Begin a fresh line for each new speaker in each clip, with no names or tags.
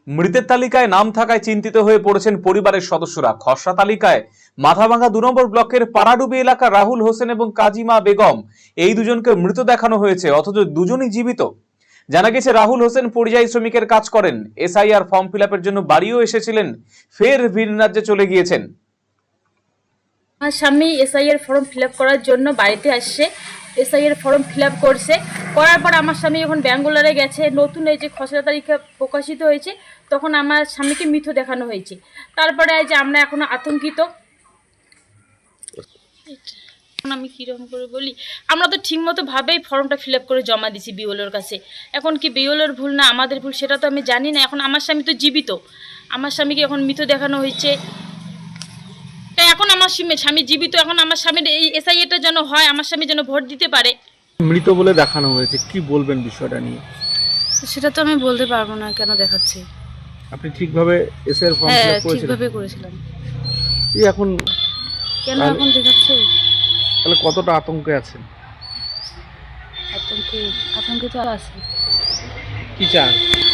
মৃতের তালিকায় নাম থাকায় চিন্তিত হয়ে পড়েছেন পরিবারের সদস্যরা। খসড়া তালিকায় মাথাভাঙ্গা 2 নম্বর ব্লকের পাড়াডুবি এলাকার রাহুল হোসেন এবং কাজিমা বেগম এই দুজনকে মৃত দেখানো হয়েছে, অথচ দুজনই জীবিত। জানা গেছে রাহুল হোসেন পরিযায়ী শ্রমিকের কাজ করেন, এসআইআর ফর্ম ফিল আপের জন্য বাড়িও এসেছিলেন, ফের ভিন রাজ্যে চলে গিয়েছেন।
আমার স্বামী এসআইআর ফর্ম ফিল আপ করার জন্য বাড়িতে আসছে, এসআইআর ফর্ম ফিল আপ করছে, করার পর আমার স্বামী এখন ব্যাঙ্গালোরে গেছে। নতুন এই যে খসড়া তালিকা প্রকাশিত হয়েছে, তখন আমার স্বামীকে মৃত দেখানো হয়েছে। তারপরে এই যে আমরা এখনো আতঙ্কিত। আমি কীরকম করে বলি, আমরা তো ঠিকমতো ভাবেই ফর্মটা ফিল আপ করে জমা দিছি বিওলোর কাছে। এখন কি বিওলোর ভুল না আমাদের ভুল সেটা তো আমি জানি না। এখন আমার স্বামী তো জীবিত, আমার স্বামীকে এখন মৃত দেখানো হয়েছে। তাই এখন আমার স্বামী জীবিত, এখন আমার স্বামীর এই এসআইআরটা যেন হয়, আমার স্বামী যেন ভোট দিতে পারে।
মৃত বলে দেখানো হয়েছে, কি বলবেন বিষয়টা নিয়ে?
সেটা তো আমি বলতে পারবো না কেন দেখাচ্ছে।
আপনি ঠিকভাবে এসআইআর ফর্ম ফিল আপ করেছিলেন?
ঠিকভাবে করেছিলাম।
এই এখন
কেন এখন দেখাচ্ছে?
তাহলে কতটা আতঙ্কে আছেন?
আতঙ্কে তো আছে।
কি চান?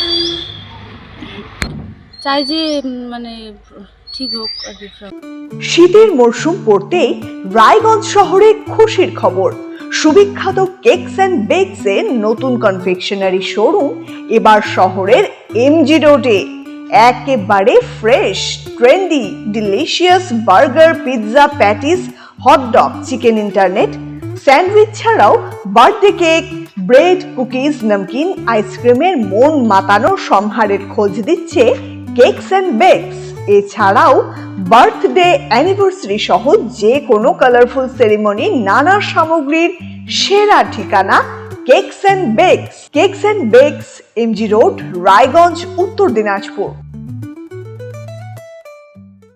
চাই যে মানে ঠিক হোক আর কি।
শীতের মরশুম পড়তেই রায়গঞ্জ শহরে খুশির খবর। সুবিখ্যাত কেকস অ্যান্ড বেকস এর নতুন কনফেকশনারি শোরুম এবার শহরের এমজি রোডে। একেবারে fresh, trendy, delicious burger, pizza, patties, hot dog, chicken internet, sandwich ছাড়াও birthday cake, bread, cookies, namkeen, আইসক্রিমের মন মাতানো সম্ভারের খোঁজ দিচ্ছে কেকস অ্যান্ড বেকস। এছাড়াও বার্থডে, অ্যানিভার্সারি সহ যে কোনো কালারফুল সেরিমনি, নানা সামগ্রীর সেরা ঠিকানা cakes and bakes. Cakes and bakes, MG road, Raiganj, Uttar Dinajpur.